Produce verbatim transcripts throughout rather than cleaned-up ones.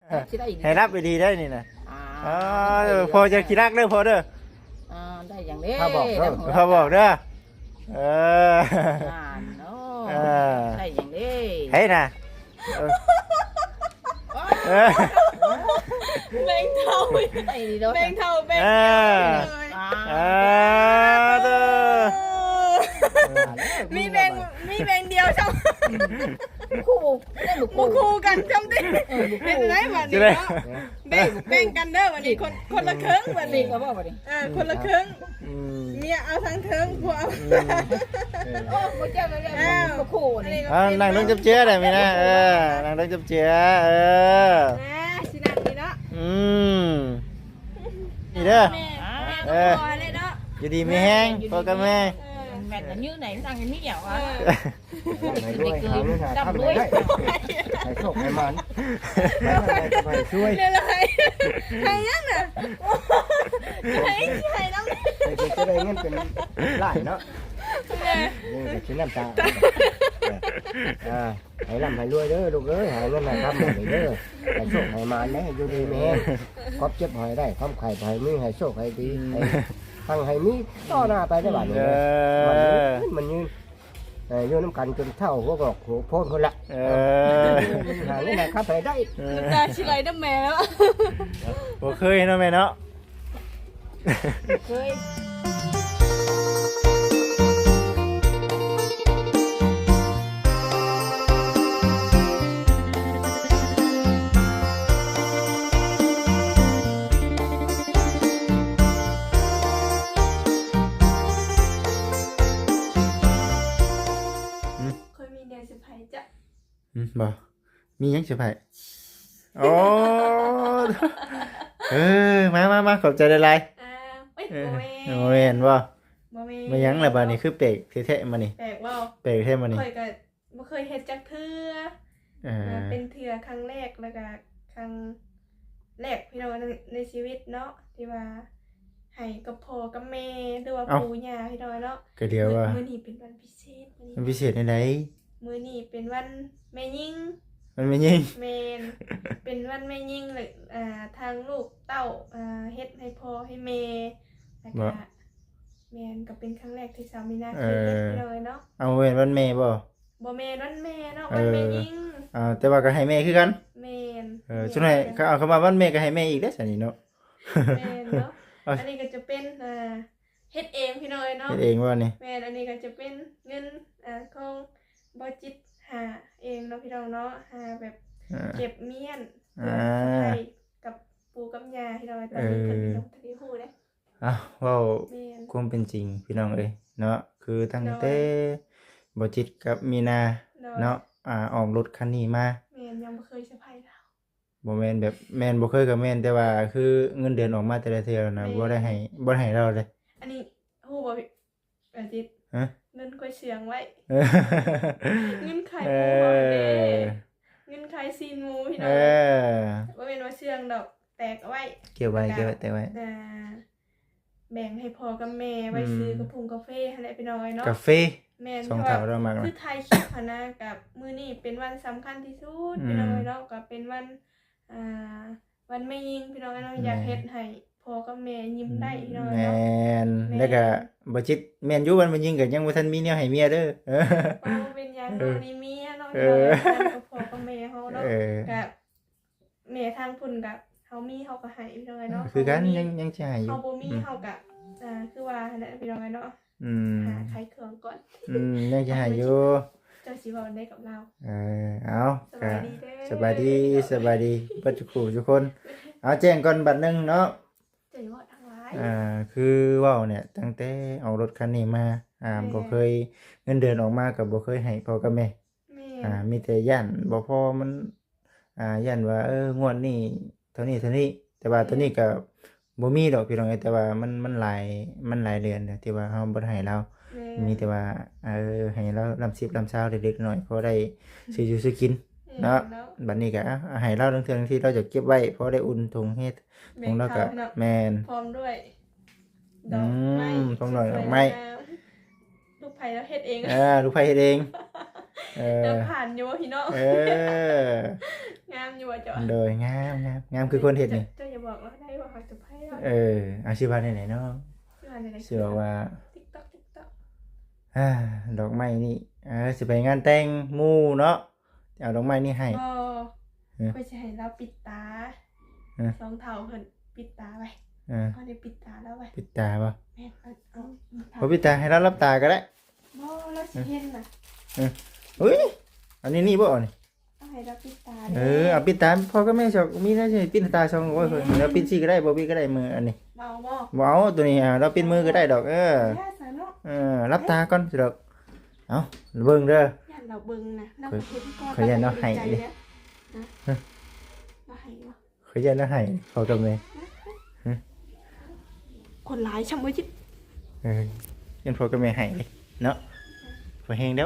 ให้รับไปดีได้นี่นะอ๋อ่าอพอจะขี้รักเด้อพอเด้ออ่าได้อย่างนี้ถ้าบอกเด้อพอบอกเด้อเอออ่าเนาะเออได้อย่างนี้เฮ้ยนะเออเออแบ่งเท่าได้ดีเด้อแบ่งเท่าแบ่งเอเดียวอเลยอ่าเออเด้อมีแบ่งมีแบ่งเดียวช่องคู่ได้บุกบ่คู่คู่กันช่องติเออบุกเป็นคู่ไรบัดจะนี้ได้เนาะแบ่งแบ่งกันเด้อบัดนี้คนคนละครึ่งบัดนี่นี้ก็บอกว่าดิเออคนละครึ่งอืมเมียเอาทั้งเทิงผัวเอาโอ้บ่เจ้าก็ได้บุกคู่นี่อ่านั่งลงจับเจือได้ไหมนะเออนั่งลงจับเจือเออนะสินั่งนี่เนาะอืมนี่เด้อแม่เอแม่อก็พอเลยเนาะอยู่ดีมีแห้งพ่อกับแม่เออแม่นnhư này nó đang như dẻo เอ á อให้ด้วยหาเงินหาทำได้ให้โชคให้มันให้ช่วยเรียนอะไรให้ยังน่ะให้ให้น้ำให้จะได้เงินเป็นล้านเนาะเนี่ยนี่ชิ้นน้ำตาอ่าให้ร่ำให้รวยเด้อลูกเอ้ยหาเงินหาทำให้เด้อให้โชคให้มันนะอยู่ดีแม่ครอบเจ็บหอยได้ความไข่ให้มีให้โชคให้ดีให้ทั้งให้มีต่อหน้าไปได้บ้านเอนี้มันยืนอมันยืนโยนน้ำกันจนเท่าหัวกรอกหัวโพนคนละเออหาเงินหาครับให้ได้น้ำตาชิไหลน้ำแม่แล้วบ่เคยเนาะแม่เนาะ cười เคยมีเดือนสิบไผ่จ้ะอืมบ่มีหยังสิไผโอ้ เออมามามาขอบใจหลายอ่าเอ้ยๆเออโมเมโอ้แม่นบ่โมเมมาหยังล่ะบัดนี้คือเปกแท้ๆมานี่แปลกว่าเปกแท้มานี่เคยก็บ่เคยเฮ็ดจักเทื่อเออเป็นเทื่อครั้งแรกแล้วก็ครั้งแรกพี่น้องในในชีวิตเนาะที่ว่าให้กับพ่อกับแม่หรือว่าปู่ย่าพี่น้องเนาะก็เดียวว่ามื้อนี้เป็นวันพิเศษมื้อมันนี้พิเศษในใดมื้อนี้เป็นวันแม่ยิ่งมันไม่ยิงแมน เป็นวันแม่ยิ่งเลยอ่าทางลูกเต้าอ่าเฮ็ดให้พ่อให้แม่แล้วก็แมนก็เป็นครั้งแรกที่สามีนาเคยเฮ็ดเลยเนาะเอาเว้นวันแม่บ่บ่แม่นวันแม่เนาะวันแม่ยิ่งอ่าแต่ว่าก็ให้แม่คือกันแมนเออช่วงไหนเขาเอาเข้ามาวันแม่ก็ให้แม่อีกเด้อซั่นนี่เนาะแมนเนาะเอาอันนี้ก็จะเป็นอ่าเฮ็ดเองพี่น้อยเนาะเฮ็ดเองว่านี่แมนอันนี้ก็จะเป็นเงินอ่าของบ่จิตหาเองเนาะพี่น้องเนาะหาแบบอ่าเก็บเมียนอ่าให้กับปู่กับย่าพี่น้อยตอนนี้เพิ่นมีน้องทะเลฮู้เด้อ้าวเว้าแมนความเป็นจริงพี่น้องเอ้ยเนาะคือตั้งแต่บ่จิตกับมีนาเนาะอ่าออกรถคันนี้มาแมนยังบ่เคยเซอร์ไพรส์เราบ่แม่นแบบแม่นบ่เคยก็แม่นแต่ว่าคือเงินเดือนออกมาแต่ละเทื่อนะบ่ได้ให้บ่ได้ให้เราเลยอันนี้ฮู้บ่พี่อาทิตย์ฮะเงินก้อยเสียงไว้เออเงินไข่เอหมูบ่เด้อเงินไข่ซีนหมูพี่เอน้องอบ่แม่นว่าเสียงดอกแตกเอาไว้เก็บไว้เก็บไว้แต่ไว้อ่าแบ่งให้พ่อกับแม่ไว้ซื้อกระพุงกาแฟให้ได้พี่น้อยเนาะกาแฟแม่นสองเพเท่าราะว่าเรามากคืนะอไทยคลิปหั้นนะกับมื้อนี้เป็นวันสำคัญที่สุดอืมพี่น้อยเนาะก็เป็นวันอ่าวันแม่ยิงพี่น้อยเนาะอยากแม่เฮ็ดให้พ่อกับแม่ยิ้มได้พี่น้อยแม่เนาะนแม่นแล้วก็บ่จิตแม่นอยู่วันมันยิงก็ยังบ่ทันมีแนวให้เมียเด้อเออว่าเป็นหยังเออเนาะนี่เมียเนาะเอพี่น้อยอทางกับพ่อกับแม่เฮาเนาะเออกับแม่ทางพุ่นกับเฮามีเฮาก็ให้พี่น้อยเนาะคือกันเฮาบ่มียังยังสิให้อยู่เฮาบ่มีอืมเฮาก็อ่าคือว่าหั่นแหละพี่น้อยเนาะอืมหาขายเครื่องก่อนอืมยังสิให้อยู่เจ้าสิเว้าได้กับเราเออเอาสก็บายดีเด้อสบายดีสบายดีเบิดทุกคู่ทุกคนเอาแจ้งก่อนบัดหนึงเนาะเจ้าอย่าเว้าทางหลายอ่าคือเว้าเนี่ยตั้งแต่เอารถคันนี้มาอ่าแม่บ่เคยเงินเดือนออกมาก็บ่เคยให้พ่อกับแม่แม่อ่ามีแต่ย่านบ่พอมันอ่าย่านว่าเอองวดนี้เท่านี้เท่านี้ แต่ว่าตัวนี้ก็บ่มีดอกพี่น้องเอ้ยแต่ว่ามันมันหลายมันหลายเดือนแล้วที่ว่าเฮาบ่ได้ให้เราแม่มีแต่ว่าเออให้เราลำสิบลำเช้าเด็กๆหน่อยพอได้ซื้ออยู่ซื้อกิน เนาะ บัดนี้ก็อ่ะให้เราทั้งเทื่อทั้งที่เราจะเก็บไว้พอได้อุ่นถุงเฮ็ดแม่ถุงแล้วก็เนาะแม่นพร้อมด้วยดอือกไม้มพร้อมหน่อยดอกไม้ลูกไผ่แล้วเฮ็ดเองอ่าลูกไผเฮ็ดเองเอเดิอนผ่านอยู่ว่าพี่น้องเอองามอยู่ว่าจ้ะโดยงามงามงามคือคนเฮ็ดนี่เจ้าอย่าบอกว่าได้ว่าเขาจะไพ่เราเอออาชีพอะไรไหนเนาะชื่ออะไรนะชื่อว่าติ๊กต๊อกติ๊กต๊อกอ่าดอกไม้นี่เออสิไปงานแต่งหมู่เนาะเอาดอกไม้นี่ให้ก็เออไปจะให้เราปิดตาเออสองเท่าเพิ่นปิดตาไปเออเขาได้ปิดตาแล้วไปปิดตาบ่แม่เอาเอาบ่ปิดตาให้เรารับตาก็ได้บ่เราสิเห็นน่ะอุ้ยอันนี้นี่บ่เอานี่เอาให้เราปิดตาเออเอาปิดตาพ่อก็แม่ชอบมีได้ใช่ปิดตาช่องโอ้ยเพิ่นแล้วปิดซี่ก็ได้บ่ปิดก็ได้มืออันนี้เบาบ่บ่เอาตัวนี้อ่ะเราปิดมือก็ได้ดอกเออย่าสาเนาะเออรับตาก่อนสิดอกเอาเบิ่งเด้อย่านเราเบิ่งนะเราเห็นก่อนขอยันเราให้ดินะเราให้บ่เคยยันแล้วให้เขากับแม่คนหลายช่ำบ่จิเออยันพ่อกับแม่ให้เลยเนาะพอแฮงแล้ว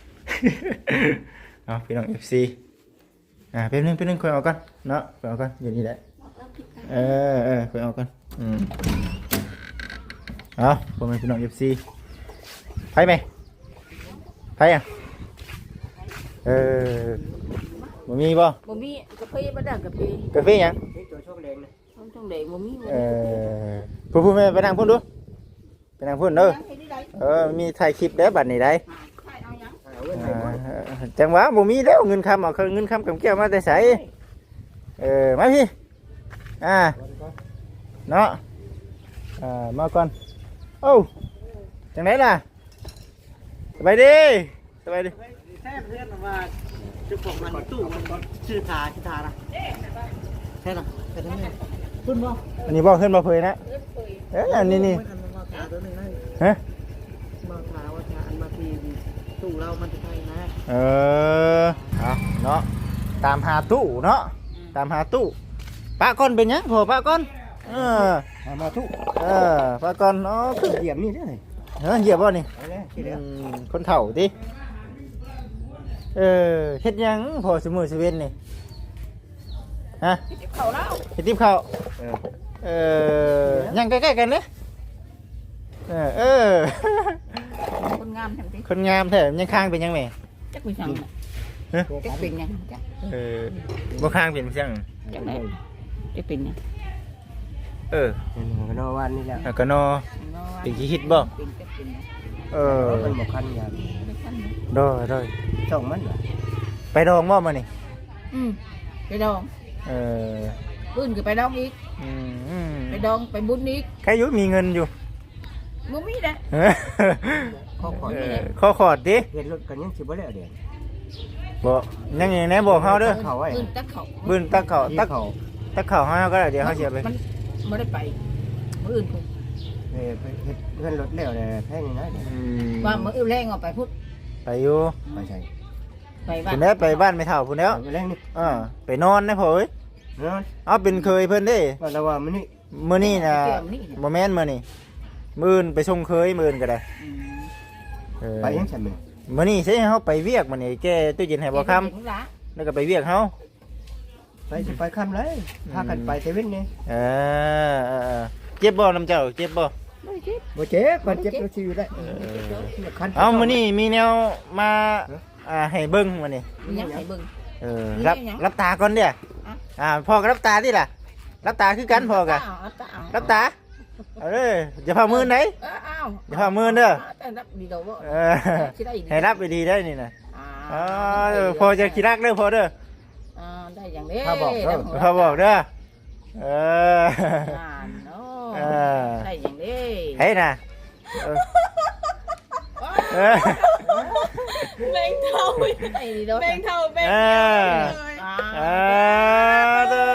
เอาพี่น้อง เอฟ ซี อ่าแป๊บนึงแป๊บนึงคุยเอาก่อนเนาะคุยเอาก่อนอยู่นี่แหละบอกเราปิดตาเออเออคุยเอาก่อนอืมเอาผมเป็นพี่น้อง เอฟ ซี ไปไหมไปอ่ะเออบ่มีบ่บ่มีกาแฟบ่ได้กาแฟกาแฟหยังนี่ตัวโชคแรงนะต้องต้องได้บ่มีเออพูดพูดแม่ไปนั่งพูดดูไปนั่งพูดเด้อเฮ็ดได้เออมีถ่ายคลิปเด้อบัดนี้ได้ใช่เอาหยังเอาเงินอ่ให้ก่อนาจังหวะบ่มีแล้วเงินคำเอาเงินคำกับแก้วมาแต่ไสเออมาพี่อ่าเนาะอ่ามาก่อนโอ้จังไหนล่ะสบายดีสบายดีแท้เพื่อนว่าจุกของมันตู้มันชื่อทาชื่อทานะแท้นะแท้ทั้งนี้คุณบ่อันนี้บอกขึ้นมาเผยนะเอ้ยอันนี้นี่ไม่ทันมาทาตัวนึงนะฮะมาทาว่าทาอันมาทีตู้เรามันจะใช่นะเออเอาเนาะตามหาตู้เนาะตามหาตู้ป้าก้อนเป็นยังพอป้าก้อนเออเอามาทุกเออป้าก้อนเนาะเหยียบนี่เด้อเออเหยียบบ่นี่เอาเลยทีอืเดียวมคนเฒ่าติเออเฮ็ดหยังพอสมือสเวนนี่ฮะเข้าแล้วเฮ็ดติบข้าวเออเออยังใกล้ๆกันเด้อเออเออคนงามทั้งที่คนงามแท้ยังข้างเป็นยังแม่จักเป็นหยังฮะจักเป็นหยังจักเออบ่ข้างเป็นจังจักไหนจักเป็นหยังเออเป็นหัวนอวันนี่แหละแล้วก็นอ เป็นขี้คิดบ่เป็นจักเป็นหยังเออมันบ่คันอย่างไม่ทันดอดอยช่องมันเหรอไปดองบ่มานี่อืมไปดองเออปืนก็ไปดองอีกอืมอืมไปดองไปบุญอีกใครอยู่มีเงินอยู่บ่มีเด้เออข้อขอเออข้อขอดดิเห็นรถกันยังสิบ่แล้วเดี๋ยวบ่ยังไงแน่บอกเฮาเด้อเขาไว้ปืนตักเขาบืนตักเขาที่ตักเขาตักเขาเฮาก็ได้เดี๋ยวเฮาเสียไปมันบ่ได้ไปมื้ออื่นพุ่นเออไปเฮ็ดเงินรถแล้วเนี่ยแพงนี่นะเดี๋ยวอืมว่ามื้ออื่นแรงออกไปพุ่นไปอยู่ไปใช่ไปบ้าพุ่นนแล้วไปบ้านไม่เฒ่าพุ่นแล้วไปแรงนี่เออไปนอนนะพ่อเอ้ยนอนเอาเป็นเคยเพิ่นเด้ว่าแล้วว่ามันนี่มื้อนี้น่ะเกี่ยวนี่บ่แม่นมื้อนี้มื้ออื่นไปส่งเคยมื้ออื่นก็ได้อืมเออไปยังฉันมึงมื้อนี้สิเฮาไปเวียกมื้อนี้แกตู้เย็นให้บ่ค่ำ แล้วก็ไปเวียกเฮาไปสิไปค่ำเลยพากันไปเซเว่นนี่เออเออเออเจ็บบ่น้ำเจ้าเจ็บบ่ไม่คิดบ่เจ็บบ่เจ็บเราสิอยู่ได้คันเอามื้อนี้มีแนวมาอ่าให้เบิ่งมื้อนี้มีหยังให้เบิ่งเออมีรับหยังรับตาก่อนเด้ออ่าพ่อก็รับตาติล่ะ รับตาคือกันพ่อกะรับตาเอารับตาเอาเด้ออย่าพามือไหนเออเอาอย่าพามือเด้อแต่รับดีเดาบ่เออสิได้ดีให้รับไปดีได้นี่น่ะอ่าอ๋อเออพ่อจะขี้รักเด้อพ่อเด้ออ่าได้อย่างนี้พ่อบอกเด้อเอออ่าเนาะเออได้อย่างนี้เฮ้ยน่ะเออเออแบงเท่าได้ดีเดาแบงเท่าแบงเอเดียวอเลยอ่าเออเด้อ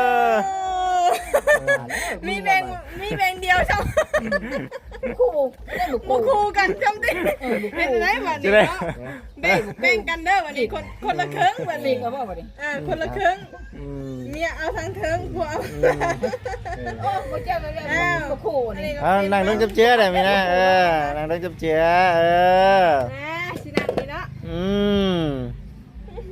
มีแบงมีแบงเดียวช่างคู่ได้ลูกบุคู่คูกันช่างดิเป็นไรวันจะนี้ได้เนาะแบ่งแบ่งกันเด้อวันนี้คนคนละครึ่งวันนี่นี้ก็บ่บ่ดิเออคนละครึ่งอืมเมียเอาทั้งเทิงผัวเอาโอ้บ่เจ้าก็ได้ลูกคู่นี่เอานั่งลงจับเจือได้ไหมนะเออนั่งลงจับเจือเออนะสินังนี่เนาะอืม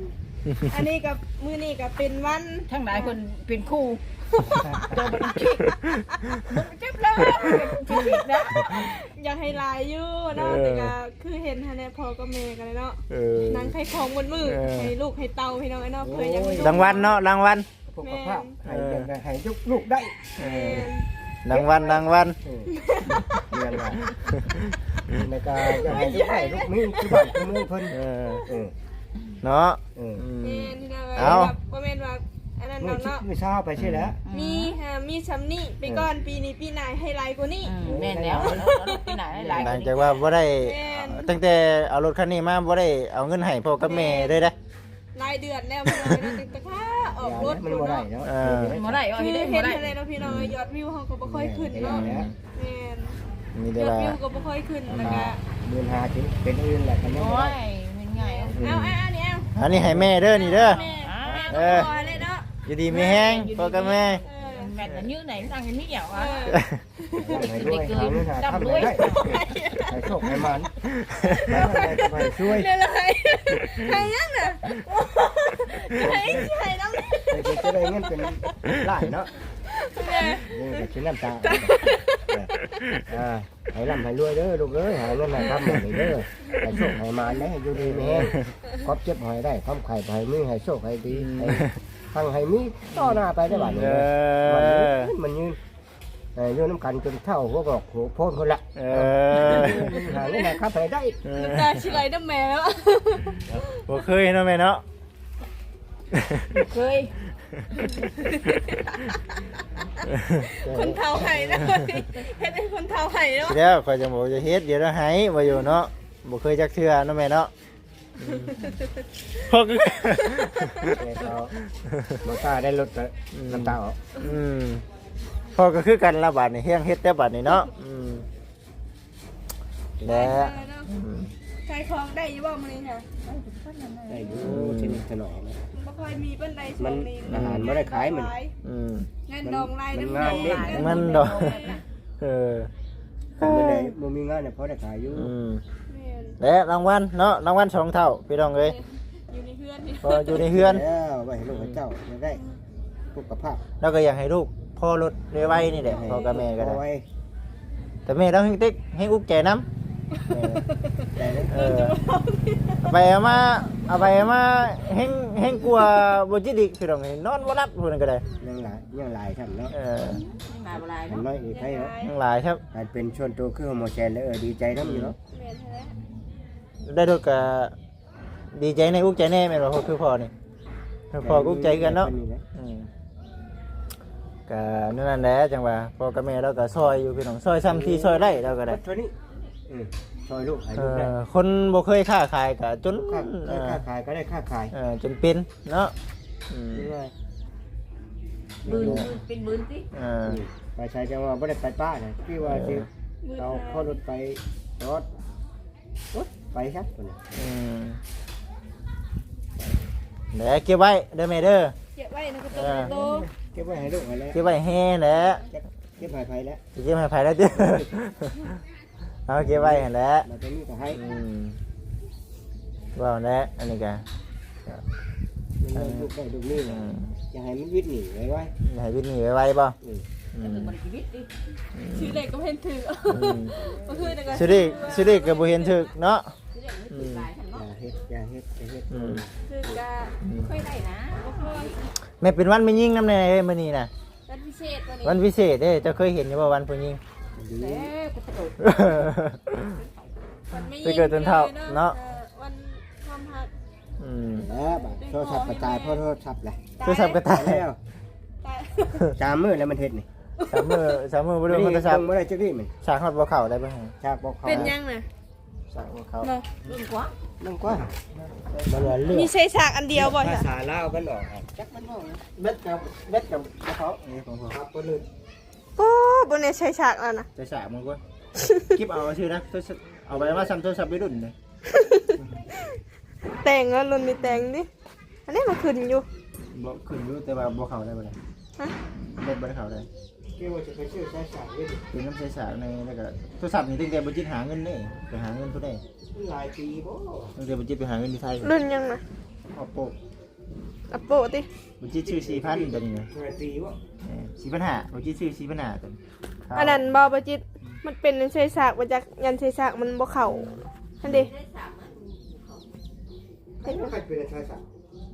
อันนี้กับมือนี่กับเป็นวันทั้งหลายคนเป็นคู่ตัวมันคิดมันเจ็บแล้วคิดนะอยากให้หลายอยู่เนาะแต่ก็คือเห็นฮะเนี่ยพ่อกับแม่กันเลยเนาะเออนั่งให้ของบนมือเออให้ลูกให้เตาให้น้องไอ้เนาะเพื่อยังรางวัลเนาะรางวัลพวกกับภาพให้ยังไงให้ยุกลูกได้เออรางวัลรางวัลเออเรียนว่าในการจะให้ลูกได้ลูกมีคือบ้านคือเมืองเพิ่นเออเออเนาะเอออืมแม่ที่นั่นเอาแบบบ่แม่นว่าอันนั้นเมื่อเนาะเมื่อเช้าไปใช่แล้วมีฮะมีซ้ำนี่ไปก่อนปีนี้ปีหน้าให้หลายกว่านี้แม่นแล้วไปไหนหลายหลังจากว่าบ่ได้แม่นตั้งแต่เอารถคันนี้มาบ่ได้เอาเงินให้พ่อกับแม่เลยนะรายเดือนแล้วพี่น้องเนาะแต่ค่าออกรถมันบ่ได้เนาะเออบ่ได้เอาคือให้ได้เห็บ่นได้อะไรเนาะพี่น้องยอดวิวเขาก็บ่ค่อยขึ้นเนาะแม่นมียแต่อดว่าวิวก็บ่ค่อยขึ้นแล้วก็เดือนหาถึงเป็นอื่นแหละกันโอ้เนาะยเป็นไงเอาเอาอันนี้เอาอันนี้ให้แม่เด้อนี่เด้อแม่แม่เอก็อพอเลยเนาะอยู่ดีมีแห้งพ่อกับแม่เออแม่นnhư này đang cái mít dẻo เอ á อให้ด้วยหาเงินหาทำได้ให้โชคให้มันให้ช่วยเลยเลยให้ยังน่ะให้ให้น้องให้จะได้เงินเป็นล้านเนาะเนี่ยนี่ก็ชิ้นน้ำตาอ่าให้ร่ำให้รวยเด้อลูกเอ้ยหาเงินหาทำหน่อยเด้อให้โชคให้มันได้อยู่ดีมีแห้งครบเจ็บหอยได้คำไข่ให้มือให้โชคให้ดีให้ทั้งให้มีต่อหน้าไปได้บ้านเอนี้มันยือนมันยืนเออยืนน้ำกันจนเท่าหัวบอกหัวโพนคนละเออหาเงินหาครับให้ได้น้ำตาชิไหลน้ำแม่แล้วบ่เคยเนาะแม่เนาะ cười คนเท้าไห้นะเฮ็ดให้คนเท้าไห้เนาะเดี๋ยวข่อยจะบอกจะเฮ็ดเดี๋ยวเราให้บ่อยู่เนาะบ่เคยจักเทื่อเนาะแม่เนาะอืมพ่อก็เขามาตาได้ลดน้ำตาออกอืมพ่อก็คือกันละบาดนี่เฮียงเฮ็ดแต่บาดนี่เนาะอืมแล้ว อืมใช้ของได้อยู่บ่มื้อนี้ค่ะได้อยู่ชนิดถนอมบ่ค่อยมีปานใดช่มัวน งนี้อาหารไม่ได้ขายมันอืมเงินดองรายมันน้ำงานเด้มันดอกเออเมื่อไหร่บ่มีงานเนี่ยพอได้ขายอยู่อืมแม่นและรางวัลเนาะรางวัลสองเท่าพี่น้องเอ้ยอยู่ในเฮือนนี่พออยู่ในเฮือนแล้วไว้ให้ลูกให้เจ้าจะได้สุขภาพแล้วก็อยากให้ลูกพ่อรถไวๆนี่แหละพ่อกับแม่ก็ได้เอาไว้แต่แม่ต้องให้ติ๊กให้อุกใจน้ำได้เลยเออเอาไปเอามาเอาไปเอามาเฮงเฮงกลัวบ่จิตอีกพี่น้องเอ้ยนอนบ่หลับพุ่นนก็ได้ยังหลายยังหลายท่านเนาะเออ mà bà lại เห็น đó น้อยอีกให้เนาะยังหลายครับการเป็นชวนตัวคือโฮโมแซนแล้วเออดีใจน้ำอยู่เนาะแม่นแท้ได้รถก็ดีใจในอุกใจแน่แม่นบ่พ่อคือพ่อนี่พ่อก็อุกใจกันเนาะ อืมก็นั่นแหละจังว่าพ่อกับแม่เราก็ซอยอยู่พี่น้องซอยซ้ำที่ซอยได้เราก็ได้เท่านี้อืมซอยลูกให้เอลูกได้อคนบ่เคยค้าขายก็จนค่าเออค่าขายก็ได้ค่าขายเออจนเป็นเนาะอืมนี่ว่า bươn bên bươn tí เออไปใช้จังว่าไม่ได้ไปป้าเนี่ยพี่ว่าสิเราเข้ารถไปรถรถไปครับอืมเดี๋ยวเก็บไว้เด้อแม่เด้อเก็บไว้ในกระตุกโตเก็บไว้ให้ลูกไว้แล้วเก็บไว้แฮ่แหละเก็บไว้ไผแล้วสิเก็บให้ไผแล้วเด้อ เอาเก็บไว้หั่นแหละมาตรงนี้ก็ให้อืมว่าแหละอันนี้ก็ลูกได้ลูกนี่อืมจะให้มันวิทย์หนีไว้ไว้ให้วิทย์นี่ไว้ๆบ่อืมอืม mình chỉ biết đi ชื่อเล็กก็เห็นถืออืมก็คือแต่ก็สิได้สิได้ก็บ่เห็นถึกเนาะ chứ để nó tự lại thành อ nó ย่าเฮ็ดอย่าเฮ็ดอย่าเฮ็ดอืมคือกะ khơi này nè บ่ค่อยแม่เป็นวันไม่ยิ่งน้ำในมื้อนี้น่ะวันพิเศษวันนี้วันพิเศษเด้เจ้าเคยเห็นอยู่บ่วันผู้หญิงดี để cái cái đồ วันไม่ไปเกิดจนเฒ่าเนาะออวันความหักอืมแล้วบัดโทรศัพท์กระจายเพราะโทรศัพท์แหละโทรศัพท์ก็ตายแล้วตายจามมือแล้วมันเฮ็ดนี่สามมือสามมือบ่ได้โทรศัพท์บ่ได้จักนี่มันสากฮอดบ่เข้าได้บ่ฮะชากบ่เข้าเป็นยังน่ะสากบ่เข้าเนาะ bươn quá นั่งกว่ามันว่าเลือกมีใช้ฉากอันเดียวบ่ภาจ้ะษาลาวมันออกครับจักมันออกเบ็ดกับเบ็ดกับเขานี่ของเขาครับบ่ลืมโอ้บ่ได้ใช้ฉากแล้วนะจะสากมึงกว่าคลิปเอาชื่อนะโทรศัพท์เอาไปมาซ้ำโทรศัพท์ไปรุ่นเลยแต่งแล้วรุ่นมีแต่งดิอันนี้มันขึ้นอยู่บ่ขึ้นอยู่แต่ว่าบ่เข้าได้บ่ได้ฮะเบ็ดบ่ได้เข้าได้เกี่ยวว่าจะไปชื่อใช้สายเว้ยเป็นน้ำใสสากในแล้วก็โทรศัพท์นี่ตั้งแต่บ่จิตหาเงินเด้ไปหาเงินผู้ใดหลายปีบ่ตั้งแต่บ่จิตไปหาเงินที่ไทยรุ่นยังน่ะเอาโปะอัปโปติบ่จิตชื่อสี่พันตัวนี้นะเงินตีวะเออสี่พันห้าบ่จิตชื่อสี่พันห้าตัวนี้อันนั้นบ่บ่จิตมันเป็นเศษซากมาจากยันเศษซากมันบ่เข้าอันเด้ใครเป็นชายสัก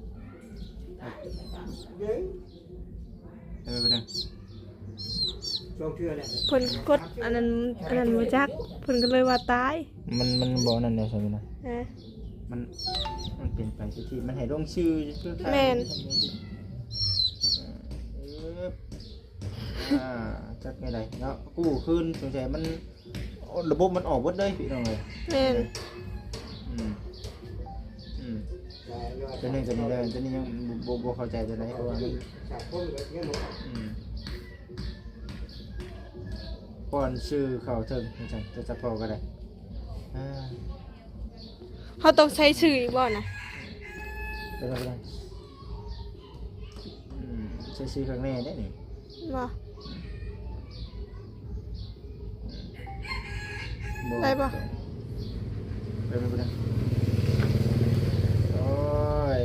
เย้เออบ่ได้ช่วงเชื่อแหละเพิ่นกดอันนั้นอันนั้นบ่จักเพิ่นก็เลยว่าตายมันมันบ่นั่นได้ใช่มั้ยนะฮะมันมันเป็นไปที่มันให้ลงชื่อเพื่อใครแม่นเอออ่าจักไงไดเนาะกู้คืนสงสัยมันระบบมันออกเบิดเลยพี่น้องเอ้ยแม่นอืมอืมตัวนี้ตัวนี้เลยตัวนี้ยังบ่บ่เข้าใจตัวไหนเพราะว่ามันสากคนแบบนี้หมดอืมก่อนชื่อเขาเถิงจังจะจะพอก็ได้อ่าเขาต้องใช้ชื่ออีกบ่นะไปแล้วไปแล้วอืมใช้ชื่อข้างในได้นี่บ่บ่ได้ปะไปไปไปแล้วโอ้ย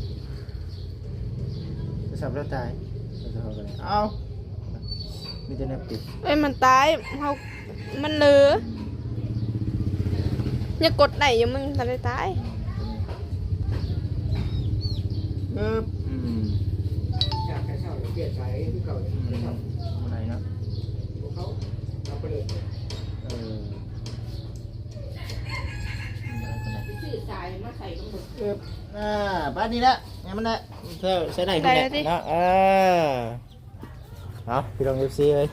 จะสับแล้วตายจะจะพอก็ได้เอ้ามีแต่แนบติดเอ้ยมันตายเฮามันเหลืออย่ากดได้อย่ามึงทันได้ตายปึ๊บอืมจากแค่เช่าเปลี่ยนสายที่เก่าอืมอะไรเนาะพวกเขาทำไปเลยเอออะไรกันนะชื่อสายมาใส่ลงหมดปึ๊บอ่าบ้านนี้ละงั้นมันละเธอใช้ได้พี่เนี่ยเนาะเออเอาพี่ลองเอฟซีเลย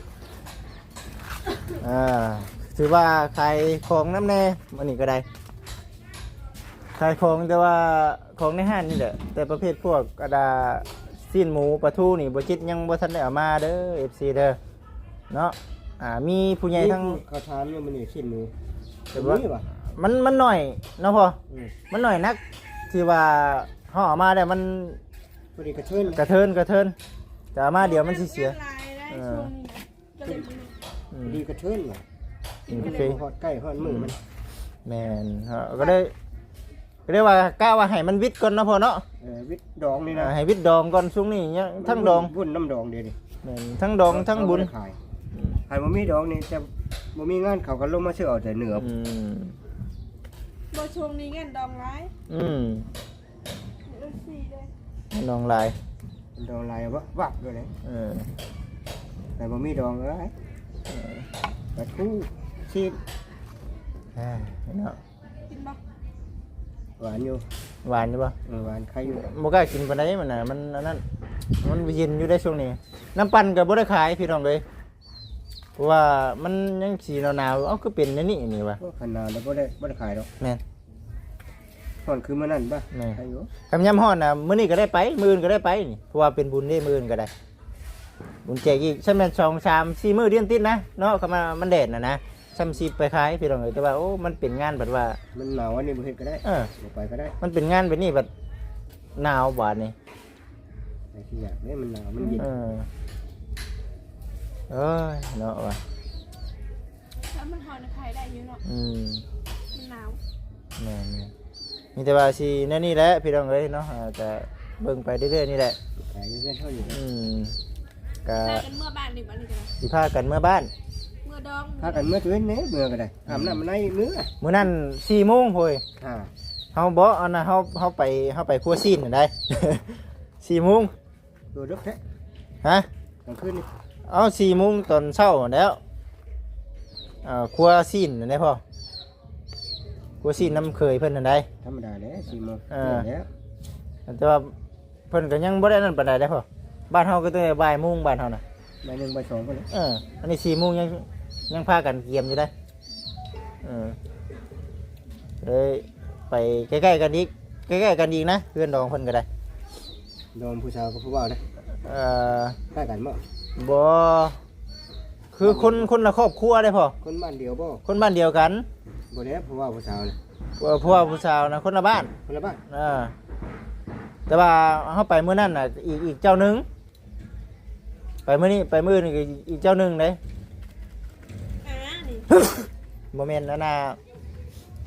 อ่าถือว่าใครของน้ำแน่มันนี่ก็ได้ขายของแต่ว่าของในห้างนี่แหละแต่ประเภทพวกกระดาสิ้นหมูปลาทูนี่บ่คิดยังบ่ทันได้เอามาเด้อ เอฟ ซี เด้อเนาะอ่ามีผู้ใหญ่ทั้งเขาทานเนี่ยมันนี่ชิ้นมือแต่ว่านี่ป่ะมันมันหน่อยเนาะพ่ออืมมันหน่อยนักที่ว่าห่อเอามาได้มันพอดีกระเทินกระเทินกระเทินแต่เอามาเดี๋ยวมันสิเสียลายได้ช่วงนี้นะก็เลยบ่รู้อืพมอดีกระเทินว่ะอืมก็โอเลเคยหอดใกล้หอดมือมันแม่นฮะก็ได้ก็ได้ว่ากล้าว่าให้มันวิทย์ก่อนเนาะพ่อเนาะเออวิทย์ดองนี่นะอ่าให้วิทย์ดองก่อนช่วงนี้ยังทั้งดองบุญน้ำดองเดียวดิแม่นทั้งดองทั้งบุญขายขายบ่มีดองนี่จะบ่มีงานเขาก็ลงมาซื้อเอาแต่เหนืออืมบ่ช่วงนี้เงินดองร้ายอืมเรื่องสี่เลยน้องลายดองลายวับวับด้วยเลยเออแต่บ่มีดองเอ้ยปลาทูชีสอ่าเนาะกินบ่หวานอยู่หวานอยู่ป่ะเออหวานใครอยู่บ่กล้ากินปานใดมันน่ะมันอันนั้นมันเย็นอยู่ได้ช่วงนี้น้ำปั่นก็บ่ได้ขายพี่น้องเลยเพราะว่ามันยังสีหนาวๆเอ้าคือเป็นอันนี่นี่วะก็ขนาดแล้วบ่ได้บ่ได้ขายดอกแม่นก่อนคือมื้อนั้นป่ะแม่ใครอยู่คำย้ำฮ้อนน่ะมื้อนี้ก็ได้ไปมื้ออื่นก็ได้ไปนี่เพราะว่าเป็นบุญได้มื้ออื่นก็ได้บุญแจกอีกใช่แม่นสอง สาม สี่มื้อเดือนติดนะเนาะคำว่ามันแดดน่ะนะซ้ำสิไปขายพี่น้องเอ้ยแต่ว่าโอ้มันเป็นงานแบบว่ามันหนาวอันนี้บ่เฮ็ดก็ได้เออบ่ไปก็ได้มันเป็นงานแบบนี้แบบหนาวบาดนี่ไอ้ที่อยากเนี่ยมันหนาวมันเย็นเออเอ้ยเนาะว่ะถ้ามันหอนใครได้อยู่เนาะอืมมันหนาวแม่นๆมีแต่ว่าสิแนั่นนี่แหละพี่น้องเอ้ยเนาะอ่าแต่เบิ่งไปเรื่อยๆนี่แหละขายอยู่เพื่อนเท่าอยู่อืมก็พากันเมื่อบ้านดิบัดนี้ก็ได้สิพากันเมื่อบ้านเมื่อดองพากันเมื่อคืนนี้เมื่อก็ได้อาบน้ำในมื้อมื้อนั้นสี่โมงโพยอ่าเฮาบ่อันน่ะเฮาเฮาไปเฮาไปครัวซีนน่ะได้ สี่โมงดูดึกแท้ฮะกลางคืนนี่เอาสี่โมงตอนเช้าแล้วอ่าครัวซีนน่ะได้พ่อครัวซีนน้ำเคยเพิ่นน่ะได้ธรรมดาแล้วสี่โมงเออแล้วแต่ว่าเพิ่นก็ยังบ่ได้นั่นปานใดได้พ่อบ้านเฮาก็ตั้งแต่บ่ายโมงบ้านเฮาน่ะใบหนึ่งใบสองก็เลยเอออันนี้สี่โมงยังยังพากันเกียมอยู่ได้เออเลยไปใกล้ๆกันอีกใกล้ๆกันอีกนะเพื่อนดองเพิ่นก็ได้โดมผู้สาวกับผู้บ่าวนะเอ่อใกล้กันบ่บ่คือคนคนละครอบครัวได้พอคนบ้านเดียวบ่คนบ้านเดียวกันบ่ได้ผู้บ่าวผู้สาวนะเอ่อเพราะว่าผู้สาวนะคนละบ้านคนละบ้านเออแต่ว่าเฮาไปมื้อนั้นน่ะอีกอีกเจ้าหนึงไปมื้อนี้ไปมื้อนี้ก็อีกเจ้าหนึงเด้อ่านี่บ่แม่นอันน่ะเฮ็ด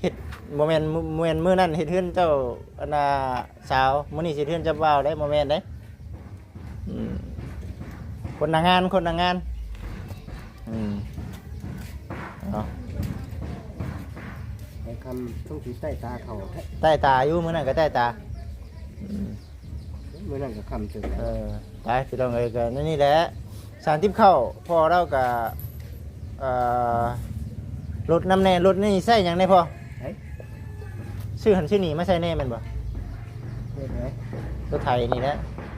โมเมนต์โมเมนต์มื้อนั้นเฮ็ดเฮือนเจ้าอันน่ะสาวมื้อนี้สิเฮ็ดเฮือนเจ้าบ่าวได้โมเมนต์ได้อืมคนหน้างานคนหน้างานอืมเนาะไอ้คำต้องถือใต้ตาเขาแท้ใต้ตาอยู่มื้อนั้นก็ใต้ตาอืมเมื่อนั้นก็คำจึงเออไปพี่น้องเอ้ยก็นั่นนี่แหละสารทิพย์เข้าพอเราก็เอ่อรถน้ำแน่รถนี่ใส่หยังได้พอชื่อหันชื่อนี่ไม่ใช่แน่แมันบ่เฮ็ดไหมรถไทยนี่แหละ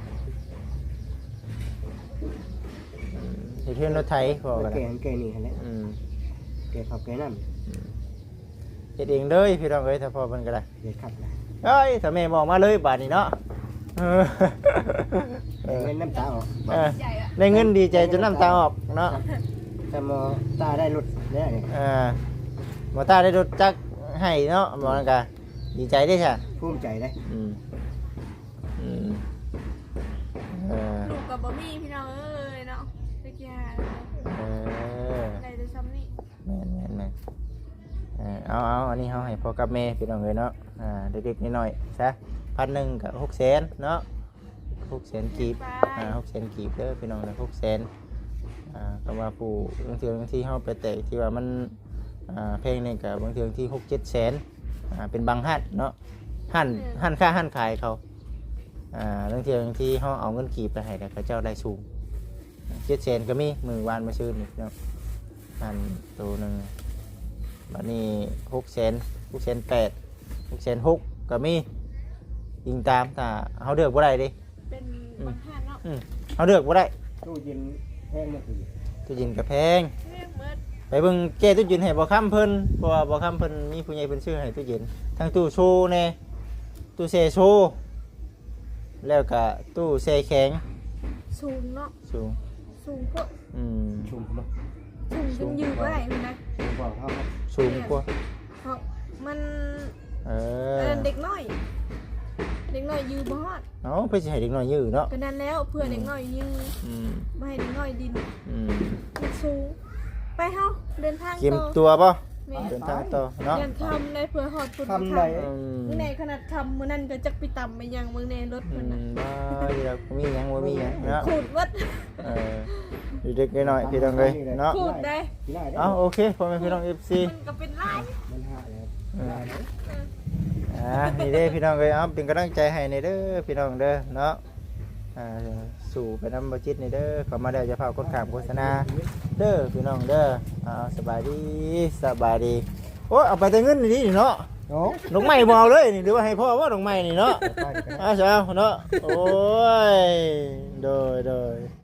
อืมเฮ็ดเพื่อนรถไทยพอกันแกนแกนี่หั่นแหละอืมแกขับแกนั่นเฮ็ดเองเลยพี่น้องเอ้ยถ้าพอมันก็ได้เฮ็ดขับนะเอ้ยถ้าแม่บอกมาเลยบาทนี้เนาะเออเออเงินน้ำตาออกเออได้เงินดีใจจนน้ำตาออกเนาะแต่มอตาได้รถเนี่ยนี่เออหมอตาได้รถจักรให้เนาะบอกนั่นกะดีใจได้ใช่ภูมิใจได้อืมอืมเออลูกกับบะหมี่พี่น้องเอ้ยเนาะตะกี้หาเอออะไรจะซ้ำนี่แม่นแม่นแม่นเออเอาเอาอันนี้เขาให้พ่อกับแม่พี่น้องเลยเนาะอ่าเด็กๆนิดหน่อยๆซะพันหนึ่งกับหกแสนเนาะหกแสนกีบอ่าหกแสนกีบเด้อพี่น้องเลยหกแสนอ่าก็ว่าผู้บางทีบางทีเขาไปแตะที่ว่ามันอ่าเพลงนี่กับบางทีบางทีหกเจ็ดแสนอ่าเป็นบางฮั่นเนาะฮั่นฮั่นค่าฮั่นขายเขาอ่าบางทีบางทีเขาเอาเงินกีบไปให้แต่เขาเจ้าได้สูงเจ็ดแสนก็มีมือวานมาซื้อนี่เนาะฮั่นตัวหนึ่งบัดนี้หกแสนหกแสนแปดหกแสนหกก็มียิงตามแต่เขาเดือกบ่ได้ดิเป็นบางท่านเนาะอืมเขาเดือกบ่ได้ตู้เย็นแห้งมาคือตู้เย็นกับแพงเรียกเมื่อไปเบิ่งแก้ตู้เย็นให้บ่ค้ำเพิ่นเพราะว่าบ่ค้ำเพิ่นมีผู้ใหญ่เพิ่นซื้อให้ตู้เย็นทั้งตู้โชว์แน่ตู้แช่โชว์แล้วก็ตู้แช่แข็งสูงเนาะสูงสูงพวกอืมชุ่มมั้งสูงจนยืดไม่ได้เลยนะชุ่มกว่าเขาครับสูงกว่าเพราะมันเอเอออเด็กน้อย เด็กน้อยยืดบอดเอ้าเพิ่นสิให้เด็กน้อยยื้อเนาะก็นั้นแล้วเพื่อเด็กน้อยยืดอืมไม่ให้เด็กน้อยดินอืมมันสูง ไปเฮาเดินทางเก็บต่อตัวป่ะแม่เดินทางต่อเนาะยันคำเลยเพื่อหอดปุ่นคำไหนอืมมื้อในขนาดคำมื้อนั้นก็จักไปต่ำไปยังมื้อในรถอืเพิ่นมน่ะบ่อยู่แล้วมีหยังบ่มีหยังเนาะขูดวัดเออเด็กๆน้อยๆพี่น้องเอ้ยเนาะขูดได้ได้ได้เอาโอเคพ่อแม่พี่น้อง เอฟ ซีมันก็เป็นลายมันห้าแล้วอ่านี่เด้พี่น้องเอ้ยเอาเป็นกำลังใจให้ในเด้อพี่น้องเด้อเนาะอ่าสู่ไปน้ำบจิตในเด้อเข้ามาได้จะพาคนขามโฆษณาเด้อพี่น้องเด้อเอาสบายดีสบายดีโอ้ยเอาไปแต่เงินนี่เนาะโอ้ดอกไม้บ่เอาเลยนี่หรือว่าให้พ่อว่าดอกไม้นี่เนาะไปกันอ้าวเช้าเนาะโอ้ยโดยโดย